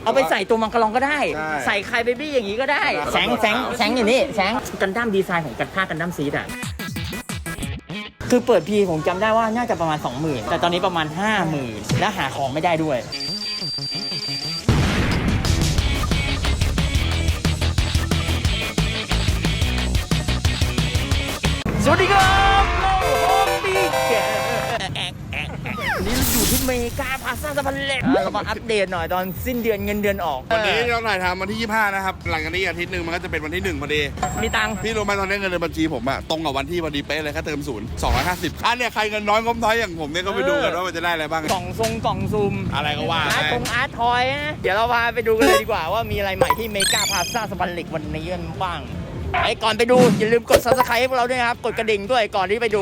เอาไปใส่ตัวมังกรลองก็ได้ใส่ไคเบบี้อย่างนี้ก็ได้แสงอยู่นี่แสงกันดั้มดีไซน์ของกันท่ากันดั้มซีดอ่ะคือเปิดพีผมจำได้ว่าน่าจะประมาณ 20,000 แต่ตอนนี้ประมาณ 50,000 และหาของไม่ได้ด้วยสวัสดีครับโฮมบี้แกนี่เราอยู่ที่เมกาพลาซ่าสะพานเหล็กเรามาอัปเดตหน่อยตอนสิ้นเดือนเงินเดือนออกวันนี้เราถ่ายทำวันที่ 25 นะครับหลังจากนี้อาทิตย์หนึ่งมันก็จะเป็นวันที่1พอดีมีตังค์พี่รู้ไหมตอนนี้เงินในบัญชีผมอะตรงกับวันที่พอดีเป๊ะเลยแค่เติม250อันเนี่ยใครเงินน้อยงบน้อยอย่างผมเนี่ยก็ไปดูกันว่ามันจะได้อะไรบ้างกล่องซูมอะไรก็ว่าอาร์ตทอยนะเดี๋ยวเราพาไปดูกันเลยดีกว่าว่ามีอะไรใหม่ที่เมกาพลาซ่าสะพานเหล็กวันนี้กันบ้างไอ้ก่อนไปดูอย่าลืมกด Subscribe ให้พวกเราด้วยนะครับกดกระดิ่งด้วยก่อนที่ไปดู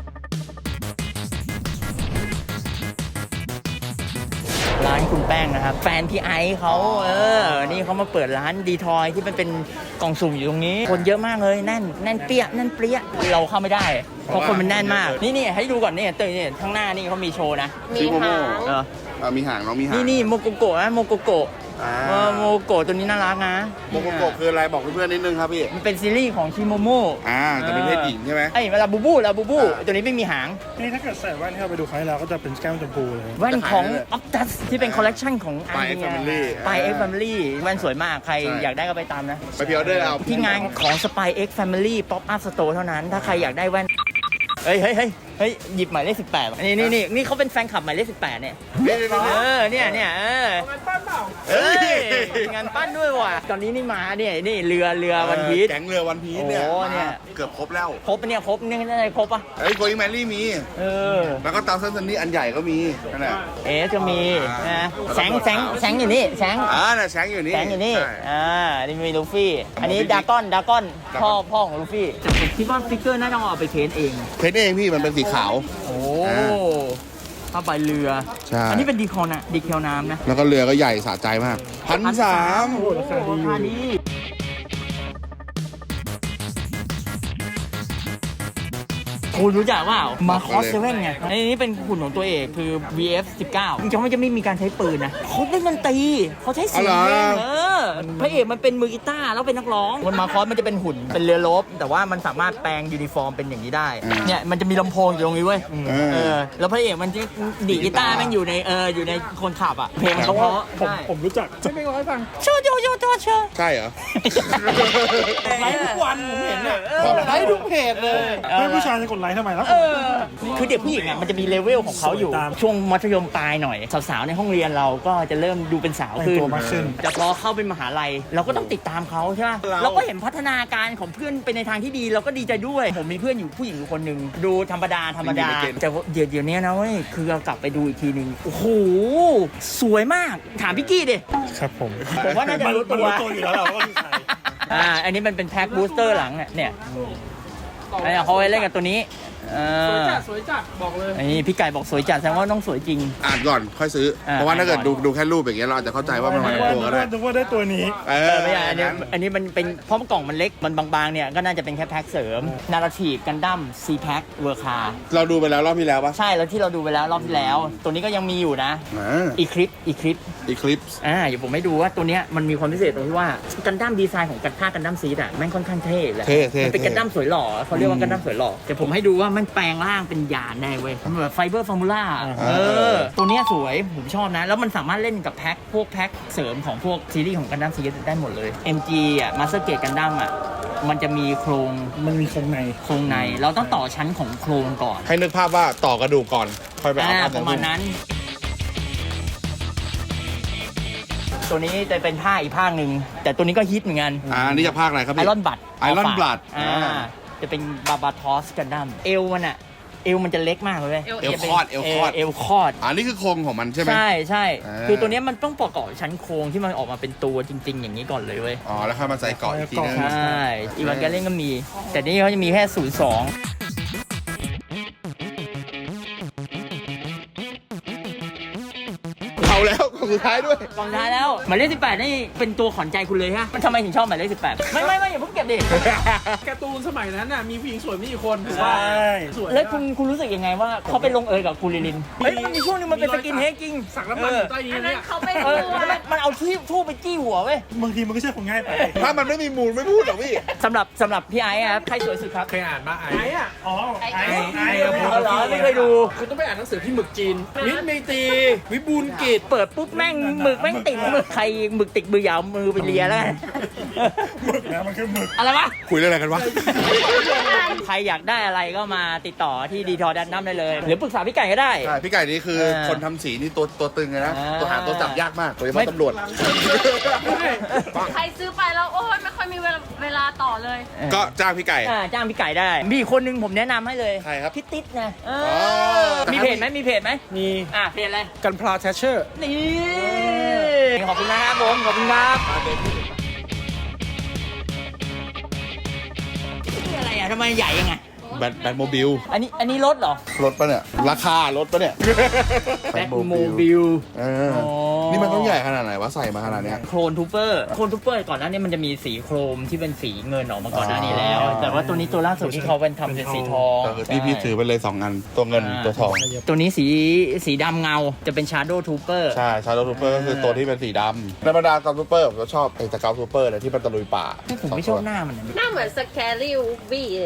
ร้านคุณแป้งนะครับแฟนพี่ไอซ์เขานี่เขามาเปิดร้านดีทอยที่มันเป็นกล่องสุ่มอยู่ตรงนี้คนเยอะมากเลยแน่นเปี้ยเราเข้าไม่ได้เพราะคนมันแน่นมากนี่ให้ดูก่อนนี่เตยนี่ข้างหน้านี่เขามีโชว์นะมีหางมีหางน้องมีหางนี่โมโกโกะนะโมโกโกะโมโกะตัวนี้น่ารักนะโมโกโกะคืออะไรบอกเพื่อนๆนิดนึงครับพี่มันเป็นซีรีส์ของชิโมโมะแต่เป็นเพศหญิงใช่ไหมไอ้ลาบูบูตัวนี้ไม่มีหางนี่ถ้าเกิดใส่แว่นที่เราไปดูครั้งที่แล้วก็จะเป็นแก้มชมพูเลยแว่นของออฟตัสที่เป็นคอลเลกชันของไปเอ็กซ์แฟมิลี่แว่นสวยมากใครอยากได้ก็ไปตามนะไปพิออเดอร์เอาที่งานของ Spy X Family Pop Up Store เท่านั้นถ้าใครอยากได้แว่นเฮ้ยหยิบหมายเลข18นี่เขาเป็นแฟนคลับหมายเลข18เนี่ยเนี่ยงานปั้นเปล่างานปั้นด้วยว่ะตอนนี้นี่มาเนี่ยนี่เรือวันพีชแก๊งเรือวันพีชเนี่ยเกือบครบแล้วครบนี่ได้ครบป่ะโกอิงแมรี่มีแล้วก็ตามซันนี่อันใหญ่ก็มีนั่นแหละจะมีนะแสงอยู่นี่แสงน่ะแสงอยู่นี่นี่มีลูฟี่อันนี้ดากอนพ่อของลูฟี่ผมคิดว่าฟิกเกอร์น่าจะเอาไปเพ้นเองพี่มันเป็นสีขาวผ้าใบเรืออันนี้เป็นดีเคลน้ำนะแล้วก็เรือก็ใหญ่สะใจมาก1,300 โอ้ราคาดีคุณรู้จักว่ามาคอสเซเว่นไงนี่เป็นหุ่นของตัวเอกคือ VF19 จริงๆมันจะไม่มีการใช้ปืนนะเขาเล่นดนตรีเขาใช้เสียงพระเอกมันเป็นมือกีตาร์แล้วเป็นนักร้องมันมาคอสมันจะเป็นหุ่นเป็นเรือรบแต่ว่ามันสามารถแปลงยูนิฟอร์มเป็นอย่างนี้ได้เนี่ยมันจะมีลำโพงอยู่ตรงนี้เว้ยแล้วพระเอกมันจะดีดกีตาร์แม่งอยู่ในคนขับอ่ะเพลงมันเพราะผมรู้จักจะไม่ร้อยฟังโชว์ใช่เหรอไลฟ์ทุกวันผมเห็นเนี่ยไลฟ์ทุกเพจเลยผู้ชายจะกดไลค์ทำไมแล้วคือเด็กผู้หญิงอ่ะมันจะมีเลเวลของเขาอยู่ช่วงมัธยมปลายหน่อยสาวๆในห้องเรียนเราก็จะเริ่มดูเป็นสาวขึ้นแต่พอเข้าเป็นมหาลัยเราก็ต้องติดตามเขาใช่ไหมเราก็เห็นพัฒนาการของเพื่อนไปในทางที่ดีเราก็ดีใจด้วยผมมีเพื่อนอยู่ผู้หญิงอยู่คนหนึ่งดูธรรมดาแต่เดี๋ยวนี้นะเว้ยคือเรากลับไปดูอีกทีนึงโอ้โหสวยมากถามพี่กี้ดิครับผมว่าน่าจะรู้ตัวอยู่แล้วว่าคือใครอันนี้มันเป็นแพ็คบูสเตอร์หลังเนี่ยเขาไปเล่นกับตัวนี้สวยจัดบอกเลยนี่พี่ไก่บอกสวยจัดแสดงว่าต้องสวยจริงอ่านก่อนค่อยซื้อเพราะว่าถ้าเกิดดูแค่รูปอย่างเงี้ยเราอาจจะเข้าใจว่ามันเป็นตัวก็ได้ดูว่าได้ตัวนี้ไม่ใช่อันนี้มันเป็นเพราะกล่องมันเล็กมันบางๆเนี่ยก็น่าจะเป็นแค่แพ็คเสริมนาราทีฟกันดั้มซีแพ็คเวอร์คาเราดูไปแล้วรอบที่แล้วปะใช่แล้วที่เราดูไปแล้วรอบที่แล้วตัวนี้ก็ยังมีอยู่นะอีคลิปเดี๋ยวผมให้ดูว่าตัวเนี้ยมันมีความพิเศษตรงที่ว่ากันดั้มดีไซน์ของกันท่ากันดั้มซีดอ่ะแม่งค่อนข้างเท่เลยมันเป็นกันดั้มสวยหล่อเขาเรียกว่ากันดั้มสวยหล่อแต่ผมให้ดูว่ามันแปลงร่างเป็นยานได้เว้ยมันแบบไฟเบอร์ฟอร์มูล่าตัวนี้สวยผมชอบนะแล้วมันสามารถเล่นกับแพ็คเสริมของพวกซีรีส์ของกันดั้มซีรีส์ได้หมดเลย MG อ่ะมาสเตอร์เกตกันดั้มอ่ะมันจะมีโครงในเราต้องต่อชั้นของโครงก่อนให้นึกภาพว่าต่อกระดูกก่อนค่อยไปเอาประมาณนั้นตัวนี้จะเป็นผ้าอีกผ้าหนึ่งแต่ตัวนี้ก็ฮิตเหมือนกันนี่จะภาคอะไรครับไอรอนบัตจะเป็นบาบาทอสกันดั้มเอวมันจะเล็กมากเลยเอวคอดนี่คือโครงของมันใช่ไหมใช่คือตัวนี้มันต้องประกอบชั้นโครงที่มันออกมาเป็นตัวจริงๆอย่างนี้ก่อนเลยเว้ยแล้วค่อยมาใส่เกาะอีกทีนึงใช่อีวานแกเล่นก็มีแต่นี่เขาจะมีแค่02 เอาแล้วของสุดท้ายด้วยกล่องท้ายแล้วหมายเลข18นี่เป็นตัวขวัญใจคุณเลยฮะมันทำไมถึงชอบหมายเลข18ไม่อย่าเพิ่งเก็บดิการ์ตูนสมัยนั้นน่ะมีผู้หญิงสวยไม่กี่คนถูกใช่ป่ะสวยแล้วคุณรู้สึกยังไงว่าเขาไปลงเอยกับคุณลิลินเฮ้ยมันมีช่วงนึงมันเป็นสกินเฮดจริงสักน้ำมันอยู่ใต้ยีอันนนั้เนี่นยเขาไปเอดูอมันเอาทูบไปจี้หัวเว้ยบางทีมันก็ใช่คนง่ายไปถ้ามันไม่มีมูลไม่พูดหรอกพี่สำหรับพี่ไอ้ครับใครสวยสุดครับเคยอ่านมาไอ้อะอ๋อไอ้เอาเหรอไม่เคยดูคุณต้องไปอ่านหนังสือพี่หมึกจีนมิตรเมตรีวิบูลย์กิจเปิดปุ๊บแม่งหมึกแม่งติดหมึกใครหมึกติดมือยาวมือไปเลียแล้วกันหมึกนะมันคือหมึกอะไรวะคุยเรื่องอะไรกันวะใครอยากได้อะไรก็มาติดต่อที่ดีทอดันน้ำได้เลย หรือปรึกษาพี่ไก่ก็ได้ใช่พี่ไก่นี่คือคนทำสีนี่ตัวตึงเลยนะ ตัวหาตัวจับยากมากโดยเฉไม่พาะตำรวจใครซื้อไปแล้วโอ้ยไม่ค่อยมีเวลาต่อเลยก็จ้างพี่ไก่จ้างพี่ไก่ได้ มีอีกคนนึงผมแนะนำให้เลยใครครับพี่ติ๊ดนะอมีเพจไหมมีเพจไหมมีเพจอะไรกันพลาแทชเชอร์นี่ขอบคุณนะครับผมขอบคุณครับนี่อะไรอ่ะทำไมใหญ่ยังไงแบทโมบิลอันนี้รถเหรอรถปะเนี่ย ราคารถปะเนี่ยแบ็คโมบิลเอออ๋อนี่มันต้องใหญ่ขนาดไหนวะใส่มาขนาดเนี้ยโครนทูเปอร์ก่อนหน้านี้มันจะมีสีโครมที่เป็นสีเงินออกมาก่อนหน้านี้แล้ว แต่ว่าตัวนี้ตัวล่าสุดที่เขาเป็นทำเป็นสีทองพี่ถือไปเลย2อันตัวเงินตัวทองตัวนี้สีดำเงาจะเป็น Shadow Trooper ใช่ชาร์ลทูเปอร์ก็คือตัวที่เป็นสีดำในบรรดากาวทูเปอร์ผมก็ชอบไอ้ตะกาวทูเปอร์เนี่ยที่มันตะลุยป่าผมไม่ชอบหน้ามันนะหน้าเหมือนสแครี่วูบี้เลย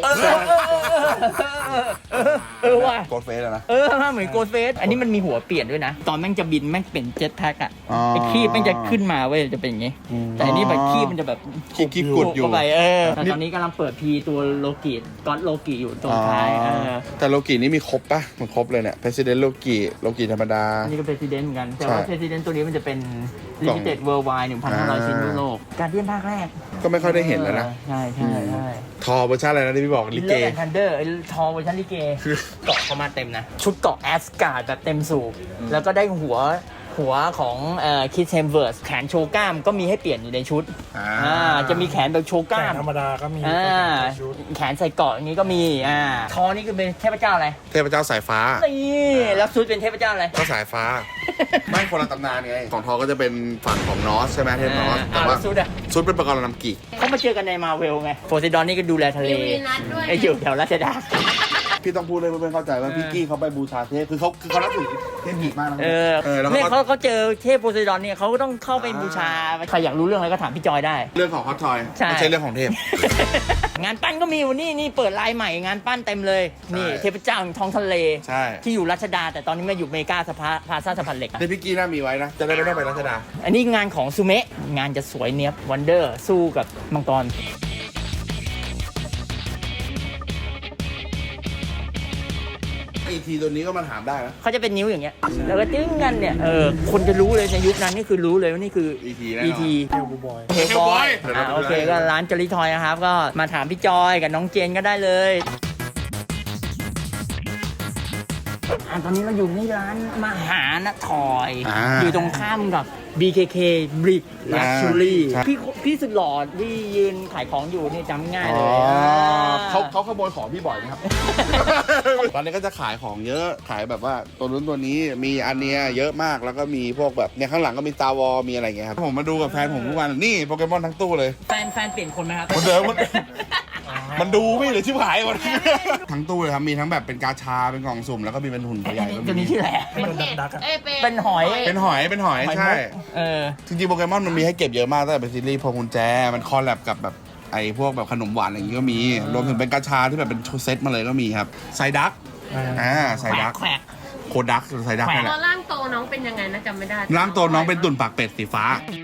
ว่ะโกดเฟสอะนะเหมือนโกดเฟสอันนี้มันมีหัวเปลี่ยนด้วยนะ ตอนแม่งจะบินแม่งเป็นเจ็ตแพ็กอะอ๋อไอ้ขี้แม่งจะขึ้นมาเว้ยจะเป็นอย่างงี้ แต่อันนี้แบบขี้มันจะแบบขี้กุดอยู่เข้าไปแต่ตอนนี้กำลังเปิดพีตัวโลกิก็อดโลกิอยู่ตรงท้ายแต่โลกินี่มีครบปะมันครบเลยเนี่ย President โลกิธรรมดาอันนี้ก็เป็น President เหมือนกัน แต่ว่าใช่ President ตัวนี้มันจะเป็น Limited Worldwide 1,500 ชิ้นทั่วโลกการเดียนภาคแรกก็ไม่ค่อยได้เห็นแล้วนะใช่ทอเวอร์ชันอะไรนะที่พี่บอกลิเกเลนทันเดอร์ทอเวอร์ชันลิเกเกาะเข้ามาเต็มนะ ชุดเกาะแอสการ์ดแบบเต็มสูบแล้วก็ได้หัวของคิดเซมเวิร์สแขนโชว์กล้ามก็มีให้เปลี่ยนอยู่ในชุดจะมีแขนแบบโชว์กล้ามธรรมดาก็มีแขนใส่เกาะอย่างนี้ก็มีทอนี่คือเป็นเทพเจ้าอะไรเทพเจ้าสายฟ้านี่แล้วชุดเป็นเทพเจ้าอะไรก็สายฟ้า ไม่คนละตำนานไงของทอก็จะเป็นฝั่งของนอสใช่ไหมเทพนอสแต่ว่าแล้วชุดอะชุดเป็นประกรณ์นำกิกเขามาเจอกันในมาเวลไงโพไซดอนนี่ก็ดูแลทะเลมีวีนัสด้วยไอ้อยู่แถวราชดาพี่ต้องพูดเลยเพื่อนๆเข้าใจว่าพี่กี้เขาไปบูชาเทพคือเขานับถือเทพหิมากนะแล้วเนี่ยก็เขาเจอเทพโพไซดอนเนี่ยเขาก็ต้องเข้าไปบูชาใครอยากรู้เรื่องอะไรก็ถามพี่จอยได้เรื่องของฮอตทอยใช่ไม่ใช่เรื่องของเทพงานปั้นก็มีวันนี้นี่เปิดลายใหม่งานปั้นเต็มเลย นี่ใช่เทพเจ้าแห่งท้องทะเลใช่ที่อยู่รัชดา แต่ตอนนี้มาอยู่เมกาพาซาสะพานเหล็กอะเทพพี่กี้น่ามีไว้นะ จะได้ไม่ต้องไปรัชดาอันนี้งานของซูเมะงานจะสวยเนี้ยบวันเดอร์สู้กับมังกรอีทีตัวนี้ก็มาถามได้นะเขาจะเป็นนิ้วอย่างเงี้ยแล้วก็จึ้งกันเนี่ยคนจะรู้เลยในยุคนั้นนี่คือรู้เลยว่านี่คือ ET แน่นอน ET เทลบูบอยเฮลบอย Hellboy โอเคก็ร้านจอริทอยนะครับ ก็มาถามพี่จอยกับน้องเจนก็ได้เลยตอนนี้เราอยู่ที่ร้านมหานทอย อยู่ตรงข้ามกับ BKK Brick Luxury พี่สุดหล่อที่ยืนขายของอยู่นี่จำง่ายเลยเขาขโมยของพี่บ่อยนะครับ ตอนนี้ก็จะขายของเยอะขายแบบว่าตัวนู้นตัวนี้มีอันเนี้ยเยอะมากแล้วก็มีพวกแบบเนี่ยข้างหลังก็มีStar Warsมีอะไรเงี้ยครับผมมาดูกับแฟนผมทุกวันนี่โปเกมอนทั้งตู้เลยแฟนเปลี่ยนคนไหมครับคนเดิมมันดูไม่เหลือชิบหายหมดทั้งตู้เลยครับมีทั้งแบบเป็นกาชาเป็นกล่องสุ่มแล้วก็มีเป็นหุ่นตัวใหญ่ก็ตัวมีนี้ชื่ออะไรเป็นเห็ดเป็นหอยเป็นหอยใช่ จริงๆโปเกมอนมันมีให้เก็บเยอะมากตั้งแต่เป็นซีรีส์พวงกุญแจมันคอลแลบกับแบบไอ้พวกแบบขนมหวานอะไรอย่างงี้ก็มีรวมถึงเป็นกาชาที่แบบเป็นเซตมาเลยก็มีครับไซดักไซดักแขวกโคดักหรือไซดักแขวะนี่แหตละอนร่างโตน้องเป็นยังไงนะจำไม่ได้ร่างตัวน้องเป็นตุ่นปากเป็ดสีฟ้า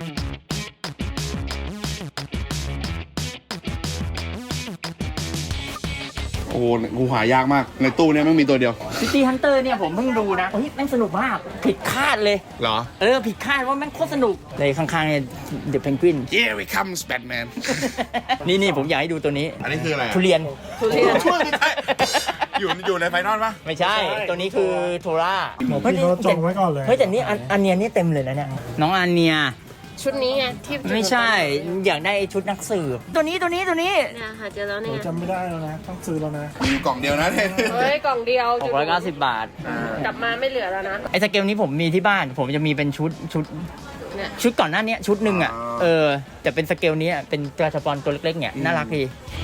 โอ้โหกูหายากมากในตู้เนี้ยไม่มีตัวเดียวซิตี้ฮันเตอร์เนี่ยผมเพิ่งดูนะเฮ้ยแม่งสนุกมากผิดคาดเลยเหรอผิดคาดว่าแม่งโคตรสนุกเลยข้างๆเนี่ยเดอะเพนกวิน Here we comes Batman นี่ผมอยากให้ดูตัวนี้อันนี้คืออะไรทุเรียนช่วยไม่ได้อยู่ในไฟนอลปะไม่ใช่ ตัวนี้คือโทราพี่เขาจองไว้ก่อนเลยเฮ้ยแต่นี่อันเนียนี่เต็มเลยนะเนี่ยน้องอันเนียชุดนี้ไงที่ไม่ใช่อยากได้ไอ้ชุดนักสืบตัวนี้เนี่ยหาเจอแล้วเนี่ยจำไม่ได้แล้วนะ ต้องซื้อแล้วนะมีอยู่กล่องเดียวนะเนี่ยเฮ้ยกล่องเดียว 690 บาทกลับมาไม่เหลือแล้วนะไอ้สเกลนี้ผมมีที่บ้าน ผมจะมีเป็นชุดเนี่ยชุดก่อนหน้านี้ชุดหนึ่งอ่ะแต่เป็นสเกลนี้เป็นกระชับอลตัวเล็กๆเนี่ยน่ารักดี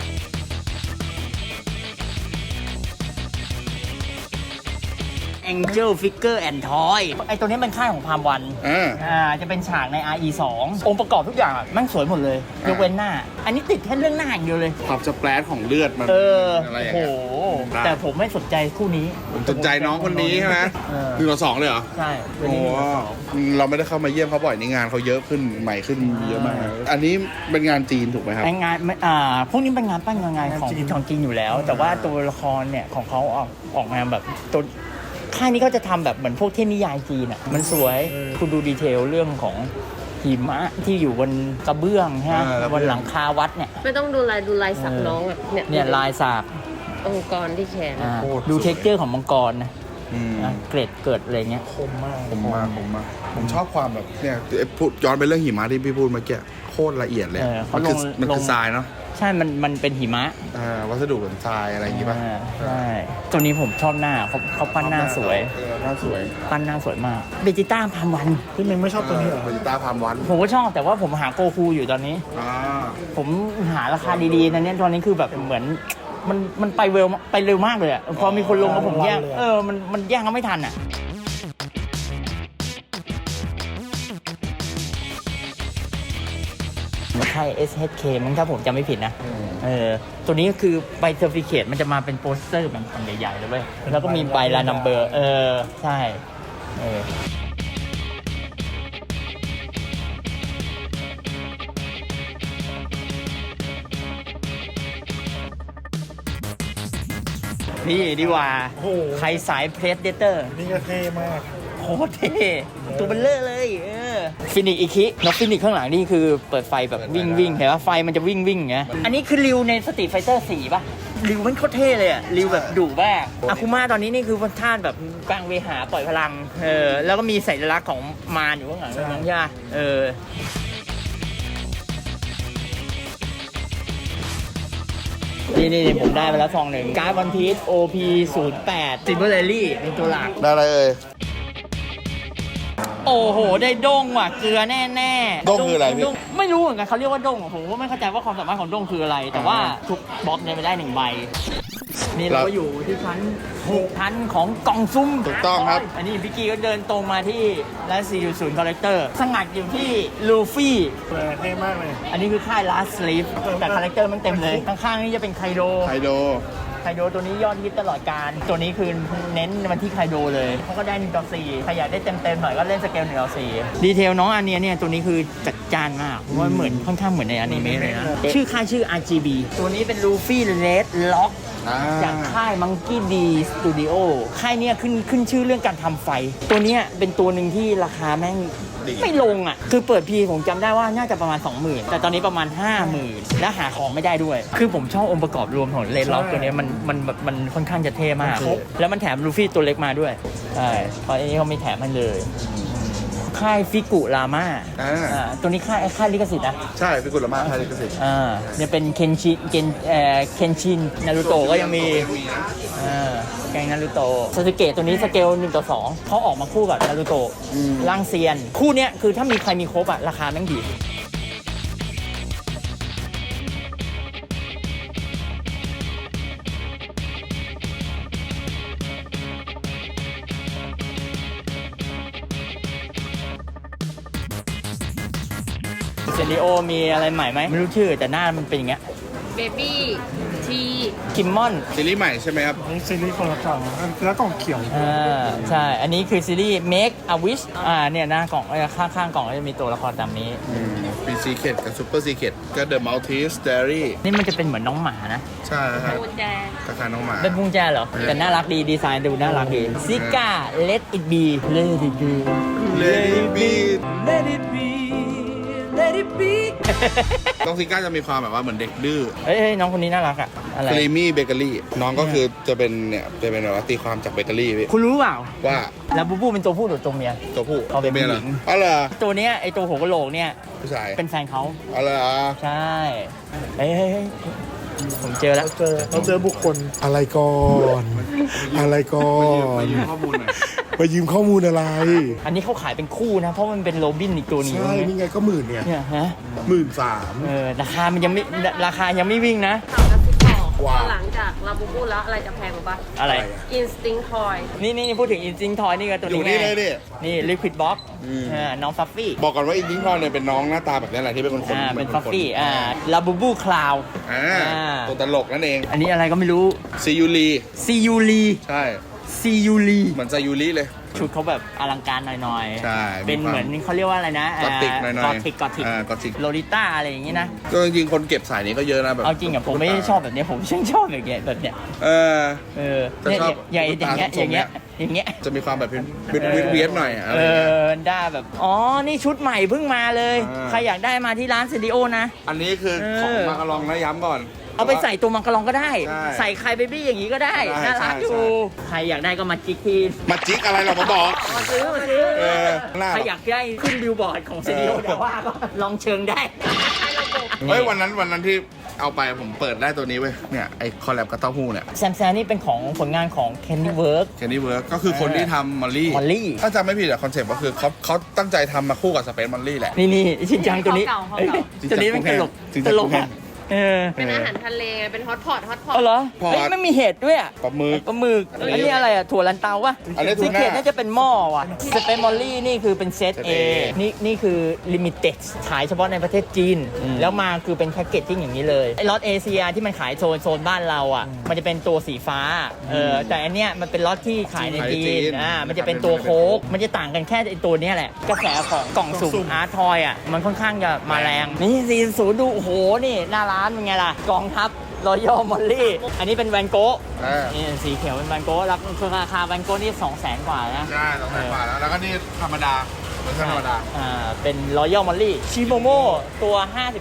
Angel Figure and Toy ไอตัวนี้เป็นค่ายของพามวัน จะเป็นฉากใน RE 2องค์ประกอบทุกอย่างมันสวยหมดเลยยกเว้นหน้า อันนี้ติดแค่เรื่องหน้าอย่างเดียวเลยความสเปรดของเลือดมัน อะไรอย่างโอ้เงี้ยโหแต่ผมไม่สนใจคู่นี้ผมสนใจน้องคนนี้ใช่ไหม1-2เลยเหรอใช่โอ้เราไม่ได้เข้ามาเยี่ยมเขาบ่อยนี่งานเขาเยอะขึ้นใหม่ขึ้นเยอะมาก อันนี้เป็นงานจีนถูกไหมครับงานพวกนี้เป็นงานปั้นงานของจีนอยู่แล้ว แต่ว่าตัวละครเนี่ยของเขาออกมาแบบตัวค่ายนี้เขาจะทำแบบเหมือนพวกเทพนิยายจีนอ่ะมันสวยคุณดูดีเทลเรื่องของหิมะที่อยู่บนกระเบื้องฮะบนหลังคาวัดเนี่ยไม่ต้องดูลายสักน้องอ่ะเนี่ยลายสากองค์กรที่แขนดูเท็กเจอร์ของมังกรนะเกรดเกิดอะไรเงี้ยคมมากผมชอบความแบบเนี่ยพูดย้อนไปเรื่องหิมะที่พี่พูดเมื่อกี้โคตรละเอียดเลยมันคือทรายเนาะใช่มันเป็นหิมะวัสดุเหมือนทรายอะไรอย่างงี้ป่ะใช่ตัวนี้ผมชอบหน้าเขาปั้นหน้าสวยปั้นหน้าสวยมากเบจิต้าพามวันพี่เมงไม่ชอบตัวนี้เหรอเบจิต้าพามวันผมก็ชอบแต่ว่าผมหาโกคูอยู่ตอนนี้ผมหาราคาดีๆตอนนี้คือแบบเหมือนมันไปเร็วมากเลยอ่ะพอมีคนลงแล้วผมแย่งมันแย่งเขาไม่ทันอ่ะใช่ SHK มั้งถ้าผมจำไม่ผิดนะตัวนี้ก็คือใบเซอร์ติฟิเคตมันจะมาเป็นโปสเตอร์แบบอันใหญ่ๆเลยเว้ยแล้วก็มีใบลานัมเบอร์ใช่นี่ดีกว่าใครสายเพรสเดเตอร์นี่ก็เท่มากโคตรเท่ตัวเบลเลอร์เลยฟินิกอีคินกฟินิกข้างหลังนี่คือเปิดไฟแบบวิ่งเห็นว่าไฟมันจะวิ่งอย่างเงี้ยอันนี้คือริวในสตรีทไฟเตอร์4ป่ะริวมันโคตรเท่เลยอะริวแบบดุมากอาคุมาตอนนี้นี่คือวันท่านแบบกลางเวหาปล่อยพลังแล้วก็มีสัญลักษณ์ของมารอยู่ข้างหลังนั่นใช่ไหมนี่ผมได้ไปแล้วซองหนึ่งการ์ดวันพีซ OP08 ซิมเบอร์เรลลี่เป็นตัวหลักได้อะไรโอ้โหได้ด้งว่ะเกลือแน่ด้งคืออะไรพี่ไม่รู้เหมือนกันเขาเรียกว่าด้งผมก็ไม่เข้าใจว่าความสามารถของด้งคืออะไรแต่ว่าทุกบล็อกเนี่ยไปได้1ใบนี่เราก็อยู่ที่ชั้นของกล่องซุ้มถูกต้องครับอันนี้พี่กี้ก็เดินตรงมาที่ร้าน4.0 Collector สงัดอยู่ที่ลูฟี่เท่มากเลยอันนี้คือค่าย Last Sleeve แต่คาแรคเตอร์มันเต็มเลยข้างๆนี่จะเป็นไคโดตัวนี้ยอดฮิตตลอดการตัวนี้คือเน้นมันที่ไคโดเลยเขาก็ได้1/4ใครอยากได้เต็มหน่อยก็เล่นสเกล1/4ดีเทลน้องอันนี้เนี่ยตัวนี้คือจัดจ้านมากเพราะว่าเหมือนค่อนข้างเหมือนในอนิเมะเลยนะชื่อค่ายชื่อ RGB ตัวนี้เป็นลูฟี่เลดล็อกจากค่าย Monkey D Studio ค่ายเนี้ยขึ้นชื่อเรื่องการทำไฟตัวเนี้ยเป็นตัวหนึ่งที่ราคาแม่งไม่ลงอ่ะคือเปิดพีผมจำได้ว่าน่าจะประมาณ 20,000 แต่ตอนนี้ประมาณ 50,000 และหาของไม่ได้ด้วยคือผมชอบองค์ประกอบรวมของเลดล็อกตัวนี้มันค่อนข้างจะเท่มากแล้วมันแถมลูฟี่ตัวเล็กมาด้วยใช่เพราะอันนี้เขาไม่แถมมันเลยค่ายฟิกุราม่าตัวนี้ค่ายลิขสิทธิ์นะใช่ฟิกุราม่าค่ายลิขสิทธิ์เนี่ยเป็นเคนชินนารูโตะก็ยังมีแกงนารูโตะซาสึเกะตัวนี้สเกล1/2เขาออกมาคู่กับนารูโตะร่างเซียนคู่เนี้ยคือถ้ามีใครมีครบอะราคาแม่งดีเซนิโอมีอะไรใหม่ไหมไม่รู้ชื่อแต่หน้ามันเป็นอย่างเงี้ยเบบี้ทีคิมมอนซีรีส์ใหม่ใช่ไหมครับนี่ซีรีส์คนละกล่องแล้วกล่องเขียวใช่อันนี้คือซีรีส์ Make a Wish เนี่ยหน้ากล่องข้างกล่องก็จะมีตัวละครตามนี้เป็นซีเคทกับซูเปอร์ซีเคทก็ The Maltese Diary นี่มันจะเป็นเหมือนน้องหมานะใช่ครับกุญแจคล้ายๆน้องหมาเป็นกุญแจเหรอแต่น่ารักดีดีไซน์ดูน่ารักดีซิก้า Let it be Let it be Let it be Let it be Let น้องซิก้าจะมีความแบบว่าเหมือนเด็กดื้อเฮ้ยน้องคนนี้น่ารักอะอะไรครีมี่เบเกอรี่น้องก็คือจะเป็นเนี่ยจะเป็นแบบว่าตีความจากเบเกอรี่พี่คุณรู้เปล่าว่าลาบูบูเป็นตัวผู้หรือตัวเมียตัวผู้เอาเป็นตัวมียเหรอผู้หญิงอ๋อเหรอตัวเนี้ยไอตัวหัวกะโหลกเนี่ยผู้ชายเป็นแฟนเขาอ๋อเหรอใช่เฮ้ยผมเจอแล้วเราเจอบุคคลอะไรก่อน อะไรก่อมาน ยืมข้อมูลหน่อยมายืมข้อมูลอะไรอันนี้เขาขายเป็นคู่นะ เพราะมันเป็นโรบินอีกตัวหนึงใช่ นี่ไงก็10,000เนี่ยเนี่ยฮะ 13,000 ราคามันยังไม่ราคายังไม่วิ่งนะถามกระซิบบอกว่าหลังจากลาบูบูแล้วอะไรจะแพงกว่าปะอะไร Instinct Toy นี่พูดถึงอินซิงทอยนี่ก็ตัวอยู่นี้นี่ไงเลยนี่นี่ลิควิดบ็อกอืมน้องฟัฟฟี่บอกก่อนว่าอินดิ้งทอนเนี่ยเป็นน้องหน้าตาแบบนี้แหละที่เป็นคนเป็นฟัฟฟี่ลาบูบูคลาวตัวตลกนั่นเองอันนี้อะไรก็ไม่รู้ซียูรีซียูรีใช่ซียูรีเหมือนซายูริเลยชุดเขาแบบอลังการหน่อยๆใช่เป็นมีความเหมือนเขาเรียกว่าอะไรนะกอติกหน่อยๆกอติกกอติกโลลิต้าอะไรอย่างงี้นะก็จริงๆคนเก็บสายนี้ก็เยอะนะแบบเอาจริงอะผมไม่ได้ชอบแบบนี้ผมชอบแบบเนี้ยเออเนี่ยจะชอบอย่างเงี้ยตาอย่างเงี้ยทรงอย่างเงี้ยจะมีความแบบเวียดหน่อยอะอะไรด้าแบบอ๋อนี่ชุดใหม่เพิ่งมาเลยอ่าใครอยากได้มาที่ร้านสตูดิโอนะอันนี้คือของมากระลองนะย้ำก่อนเอาไปใส่ตัวมังกรลองก็ได้ใช่ใส่ไข่เบบี้อย่างนี้ก็ได้ได้น่ารักใช่อยู่ใครอยากได้ก็มาจิกที่มาจิกอะไรเรามาบอกมาซื้อเออหน้าใครอยากได้ขึ้นบิลบอร์ดของสตูดิโอเดี๋ยวว่าก็ลองเชิงได้เฮ้ยวันนั้นที่เอาไปผมเปิดได้ตัวนี้เว้ยเนี่ยไอคอลแลบกับเต้าหู้เนี่ยแซมนี่เป็นของผลงานของ Candy Work แคนดี้เวิร์กก็คือคนที่ทำมอลลี่ Molly ถ้าจำไม่ผิดอะคอนเซ็ปต์ก็คือเขาตั้งใจทำมาคู่กับสเปซมอลลี่แหละนี่ชินจังตัวนี้เขาเก่าเอ้ยจริงจังตัวนี้เป็นตลกจริงจัตงลกแห้อะงเป็นอาหารทะเลไงเป็นฮอตพอตเอาเหรอพอเฮ้ยไม่มีเห็ดด้วยอะปลาหมึกปลาหมึกอันนี้อันนี้อะไรอะถั่วลันเตาปะอันนี้ทูซีน่าเกตน่าจะเป็นหม้อว่ะสเปนมอลลี่นี่คือเป็นเซตเซต A A นี่คือลิมิเต็ดขายเฉพาะในประเทศจีน แล้วมาคือเป็นแพ็กเกจจิ้งอย่างนี้เลยไอ้ล็อตเอเชียที่มันขายโซนบ้านเราอ่ะมันจะเป็นตัวสีฟ้าแต่อันเนี้ยมันเป็นล็อตที่ขายในจีนมันจะเป็นตัวโค้กมันจะต่างกันแค่ไอ้ตัวเนี้ยแหละกระแสของกล่องสุ่มอาร์ทอยอ่ะมันค่อนข้างจะมาแรงนี่40ดูโอ้โหนี่หน้าร้านเป็นไงล่ะกองทัพรอยัลมอลลี่อันนี้เป็นแวนโก้อ่านี่สีเขียวเป็นแวนโก้แล้วคือราคาแวนโก้นี่200,000 กว่านะใช่200,000 บาทแล้วก็นี่ธรรมดาเวอร์ชันธรรมดาเป็นรอยัลมอลลี่ชิโมโมตัว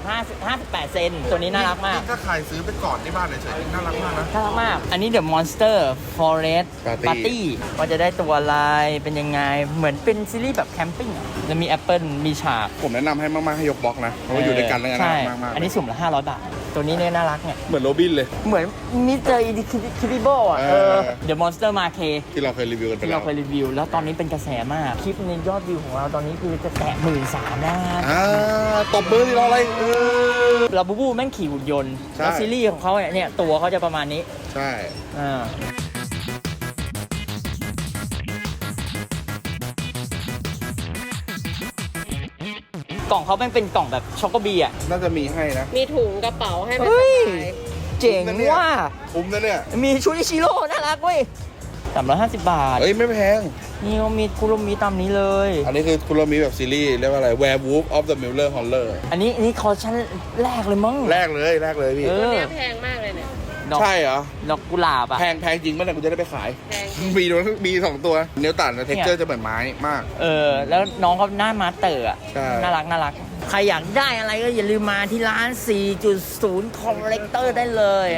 58 เซนตัวนี้น่ารักมากถ้าใครซื้อไปก่อนที่บ้านเฉยๆน่ารักมากนะน่ารักมาก อันนี้ The Monster Forest Party Party ว่าจะได้ตัวลายเป็นยังไง เหมือนเป็นซีรีส์แบบแคมปิ้งอะแล้วมีแอปเปิลมีฉากผมแนะนำให้มากๆให้ยกบล็อกนะเพราะว่าอยู่ด้วยกันแล้วกันใช่มากๆอันนี้สุ่มละ500 บาท ตัวนี้เนี่ยน่ารักเนี่ยเหมือนโรบินเลยเหมือนมิสเตอร์คิบิโบอ่ะ The Monster Marquee ที่เราเคยรีวิวกันไปที่แล้เราวเคยรีวิว แล้วตอนนี้เป็นกระแสมาก คลิปในยอดวิวของเราตอนนี้คือจะแตะ13,000นะตบมือที่เราอะไรลาบูบูแม่งขี่หุ่นยนต์ใช่แล้วซีรีส์ของเขาเนี่ยตัวเขาจะประมาณนี้ใช่อ่า กล่องเขาแม่งเป็นกล่องแบบช็อกโกบีอ่ะน่าจะมีให้นะมีถุงกระเป๋าให้เป็นเฮ้ยสะพายเจ๋งว่าคุ้มนะเนี่ยมีชุดอิชิโร่น่ารักเว้ย350 บาทเอ้ยไม่แพงนี่เขามีคุโรมิตามนี้เลยอันนี้คือคุณเรามีแบบซีรีส์เรียกว่าอะไร Werewolf of the Miller Horror อันนี้คอลชั่นแรกเลยมั้งแรกเลยพี่เอตัวอเนี้ยแพงมากเลยเนี่ยดอกใช่เหรอดอกกุหลาบอ่ะแพงจริงเมื่อไหร่กูจะได้ไปขายแพงมีสองตัว เนื้อตัดนะเท็กเจอร์จะเหมือนไม้มากแล้วน้องเขาหน้ามาสเตอร์อ่ะใช่น่ารัก ใครอยากได้อะไรก็อย่าลืมมาที่ร้าน 4.0 Collector ได้เลย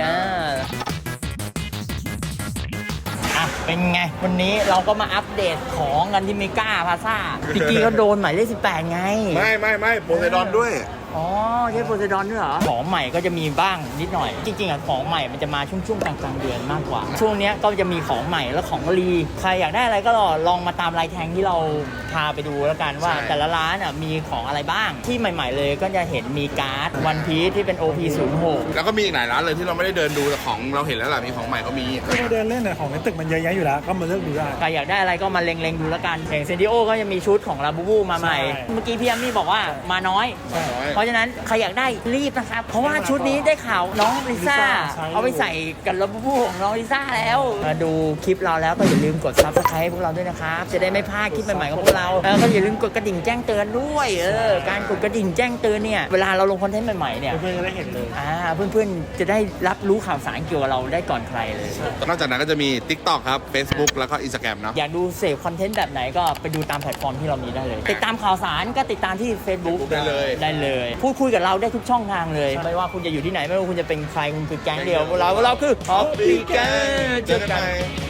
เป็นไง วันนี้เราก็มาอัปเดตของกันที่เมกาพาซ่าพี่กี้ก็โดนหมายเลข18 ไงไม่โพไซดอนด้วยอ๋อใช่โพไซดอนด้วยเหรอ ของใหม่ก็จะมีบ้างนิดหน่อย จริงๆอ่ะของใหม่มันจะมาช่วงกลางๆเดือนมากกว่า ช่วงเนี้ยก็จะมีของใหม่และของรีใครอยากได้อะไรก็ลองมาตามลายแทงที่เราพาไปดูแล้วกันว่าใช่แต่ละร้านอ่ะมีของอะไรบ้าง ที่ใหม่ ๆ เลยก็จะเห็นมีการ์ดวันพีซที่เป็น OP06 แล้วก็มีอีกหลายร้านเลยที่เราไม่ได้เดินดูแต่ของเราเห็นแล้วล่ะมีของใหม่ก็มีก็มาเดินเล่นน่ะของในตึกมันเยอะแยะอยู่แล้ว ก็มาเลือกดูได้ใครอยากได้อะไรก็มาเล็งๆดูแล้วกันอย่างเซนดิโอก็จะมีชุดของลาบูบูมาใหม่ใช่เมื่อกี้พี่แอมมี่บอกว่ามาน้อย เพราะฉะนั้นใครอยากได้รีบนะครับ เพราะว่าชุดนี้ได้ข่าวน้องลิซ่าใช่เอาไปใส่กับลาบูบูของน้องลิซ่าแล้ว มาดูคลิปเราแล้วก็อย่าลืมกด Subscribe ให้พวกเราด้วยนะครับ จะได้ไม่พลาดคลิปใหม่ๆของพวกเราแล้วก็อย่าลืมกดกระดิ่งแจ้งเตือนด้วยการกดกระดิ่งแจ้งเตือนเนี่ยเวลาเราลงคอนเทนต์ใหม่ๆเนี่ยเพื่อนๆจะได้เห็นเลยเพื่อนๆจะได้รับรู้ข่าวสารเกี่ยวกับเราได้ก่อนใครเลยนอกจากนั้นก็จะมี TikTok ครับ Facebook แล้วก็ Instagram เนาะอยากดูเสพคอนเทนต์แบบไหนก็ไปดูตามแพลตฟอร์มที่เรามีได้เลย ติดตามข่าวสารก็ติดตามที่ Facebook ได้เลยได้เลยพูดคุยกับเราได้ทุกช่องทางเลยไม่ว่าคุณจะอยู่ที่ไหนไม่ว่าคุณจะเป็นใครคุณคือแก๊งเดียวพวกเราคือฮอปปี้แก๊งเจอกัน